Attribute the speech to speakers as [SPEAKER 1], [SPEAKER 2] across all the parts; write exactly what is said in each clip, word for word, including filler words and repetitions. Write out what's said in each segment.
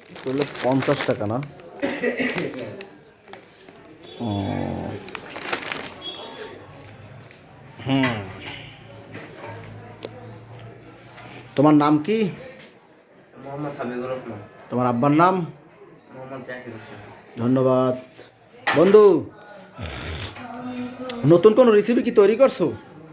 [SPEAKER 1] তাহলে পঞ্চাশ টাকা না? ও হুম, তোমার নাম কি?
[SPEAKER 2] মোহাম্মদ হাবিবুর রহমান।
[SPEAKER 1] তোমার আব্বার নাম?
[SPEAKER 2] মোহাম্মদ জাকির হোসেন।
[SPEAKER 1] ধন্যবাদ। বন্ধু, নতুন কোন রেসিপি কি তৈরি করছো?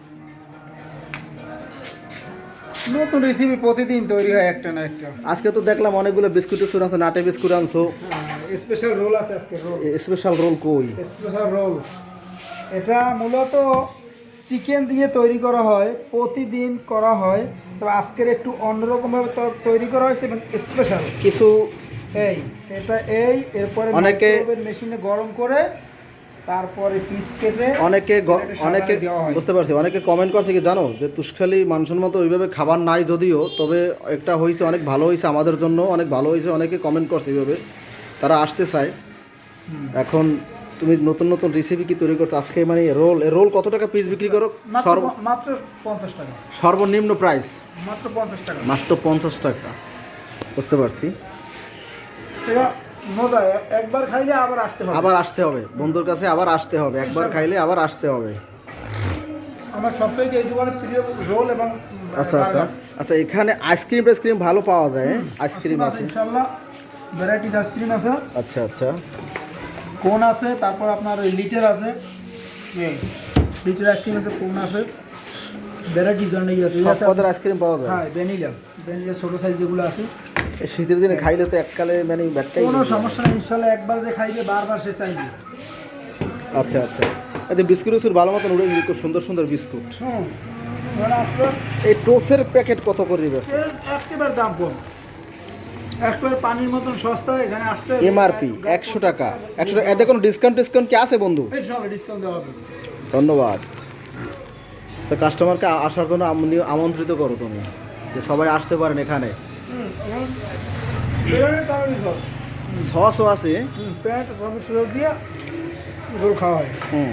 [SPEAKER 3] নতুন রেসিপি প্রতিদিন তৈরি হয় একটা না একটা।
[SPEAKER 1] আজকে তো দেখলাম অনেকগুলো বিস্কুট টিস্কুট আছে, নাটে বিস্কুট আনছো।
[SPEAKER 3] স্পেশাল রোল আছে আজকে, রোল
[SPEAKER 1] স্পেশাল রোল কই?
[SPEAKER 3] স্পেশাল রোল এটা মূলত চিকেন দিয়ে তৈরি করা হয়, প্রতিদিন করা হয়, তবে আজকের একটু অন্যরকমভাবে তো- তৈরি করা হয়েছে এবং স্পেশাল
[SPEAKER 1] কিছু
[SPEAKER 3] এই এটা এই এরপরে
[SPEAKER 1] অনেকে-
[SPEAKER 3] মেশিনে গরম করে তারপরে পিস কেটে
[SPEAKER 1] অনেকে গ-
[SPEAKER 3] এটা
[SPEAKER 1] অনেকে
[SPEAKER 3] সাবানে দেওয়া হয়।
[SPEAKER 1] বুঝতে পারছি, অনেকে কমেন্ট করছে কি জানো, যে তুষখালি মানুষের মতো ওইভাবে খাবার নাই যদিও, তবে একটা হয়েছে অনেক ভালো হয়েছে, আমাদের জন্য অনেক ভালো হয়েছে, অনেকে কমেন্ট করছে এইভাবে, তারা আসতে চায়। এখন তুমি নতুন নতুন রেসিপি কি তৈরি করছো আজকে? মানে রোল, রোল কত টাকা পিস বিক্রি করো?
[SPEAKER 3] মাত্র
[SPEAKER 1] সর্ব
[SPEAKER 3] প- মাত্র পঞ্চাশ টাকা,
[SPEAKER 1] সর্বনিম্ন প্রাইস
[SPEAKER 3] মাত্র পঞ্চাশ টাকা।
[SPEAKER 1] মাত্র পঞ্চাশ টাকা। বুঝতে পারছি।
[SPEAKER 3] এটা মজা, এ- একবার খাইলে আবার আসতে হবে।
[SPEAKER 1] আবার আসতে হবে বন্ধুর কাছে, আবার আসতে হবে, একবার খাইলে আবার আসতে হবে।
[SPEAKER 3] আমার সবথেকে এই দোকানের প্রিয় রোল এবং
[SPEAKER 1] আচ্ছা আচ্ছা আচ্ছা, এখানে আইসক্রিম টাইসক্রিম ভালো পাওয়া যায়? হ্যাঁ? আইসক্রিম আছে
[SPEAKER 3] ইনশাল্লাহ, ভ্যারাইটিস আইসক্রিম আছে,
[SPEAKER 1] আচ্ছা আচ্ছা।
[SPEAKER 3] কোন আছে, তারপর আপনার ওই লিটার আছে, এই লিটার আইসক্রিম আছে, কোন আছে, ভ্যারাইটিস ধরনের ইয়ে আছে।
[SPEAKER 1] সব পদের আইসক্রিম পাওয়া যায়?
[SPEAKER 3] হ্যাঁ, ভ্যানিলা, ভ্যানিলা ছোটো সাইজ যেগুলো আছে।
[SPEAKER 1] এই শীতের দিনে খাইলে তো এককালে মানে ব্যাটটাই।
[SPEAKER 3] কোনো সমস্যা নেই, ইনশাল্লাহ একবার যে খাইবে বারবার সে চাইবে।
[SPEAKER 1] আচ্ছা আচ্ছা, এতে বিস্কুট উস্কুট ভালো মতন উড়ে গেলে, খুব সুন্দর সুন্দর বিস্কুট।
[SPEAKER 3] হুম, মানে আপনার
[SPEAKER 1] এই টোসের প্যাকেট কত করে দিবে?
[SPEAKER 3] এর একেবারে দাম কম, একেবারে পানির মতন সস্তা। এখানে আসতে
[SPEAKER 1] এমআরপি একশো টাকা। একশো টাকা, এতে কোনো ডিসকাউন্ট টিসকাউন্ট কি আছে বন্ধু?
[SPEAKER 3] ইনশাল্লাহ ডিসকাউন্ট দেওয়া হবে।
[SPEAKER 1] ধন্যবাদ। তো কাস্টমারকে আসার জন্য আমনি- আমন্ত্রিত করো তুমি, যে সবাই আসতে পারেন এখানে।
[SPEAKER 3] হুম, এবং বেরোনোর কারণে সব
[SPEAKER 1] সসও আছে।
[SPEAKER 3] হুম, প্যান্ট সব সুযোগ দিয়ে এগুলো খাওয়া হয়।
[SPEAKER 1] হুম,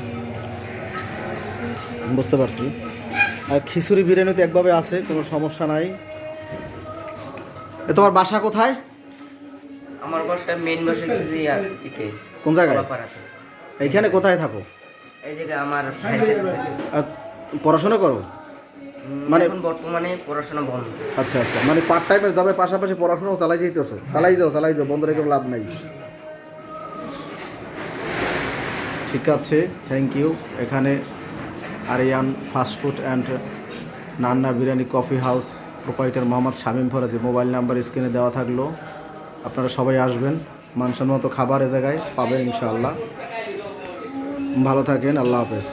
[SPEAKER 1] বুঝতে পারছি। আর খিচুড়ি বিরিয়ানি তো একভাবে আছে, কোনো সমস্যা নাই। এ তোমার বাসা কোথায়?
[SPEAKER 2] আমার বাসায় মেইন বাসা হচ্ছে আর ইতে
[SPEAKER 1] কোন জায়গায়?
[SPEAKER 2] কলাপাড়াতে।
[SPEAKER 1] এইখানে কোথায় থাকো?
[SPEAKER 2] এই জায়গায় আমার ভাইয়ের কাছে।
[SPEAKER 1] আর পড়াশোনা করো?
[SPEAKER 2] উম,
[SPEAKER 1] মানে
[SPEAKER 2] এখন বর্তমানে পড়াশোনা বন্ধ।
[SPEAKER 1] আচ্ছা আচ্ছা, মানে পার্ট টাইমের যাবে, পাশাপাশি পড়াশোনাও চালাই যেতেছো? চালাই যাও চালাই যাও, বন্ধ রেখে লাভ নাই। ঠিক আছে, থ্যাংক ইউ। এখানে Aryan fast food and Nanna biryani coffee house proprietor Mohammad Shamim Faraji, mobile number স্ক্রিনে দেওয়া থাকলো। আপনারা সবাই আসবেন, মানসম্মত খাবার এ জায়গায় পাবেন ইনশাআল্লাহ। ভালো থাকেন, আল্লাহ হাফেজ।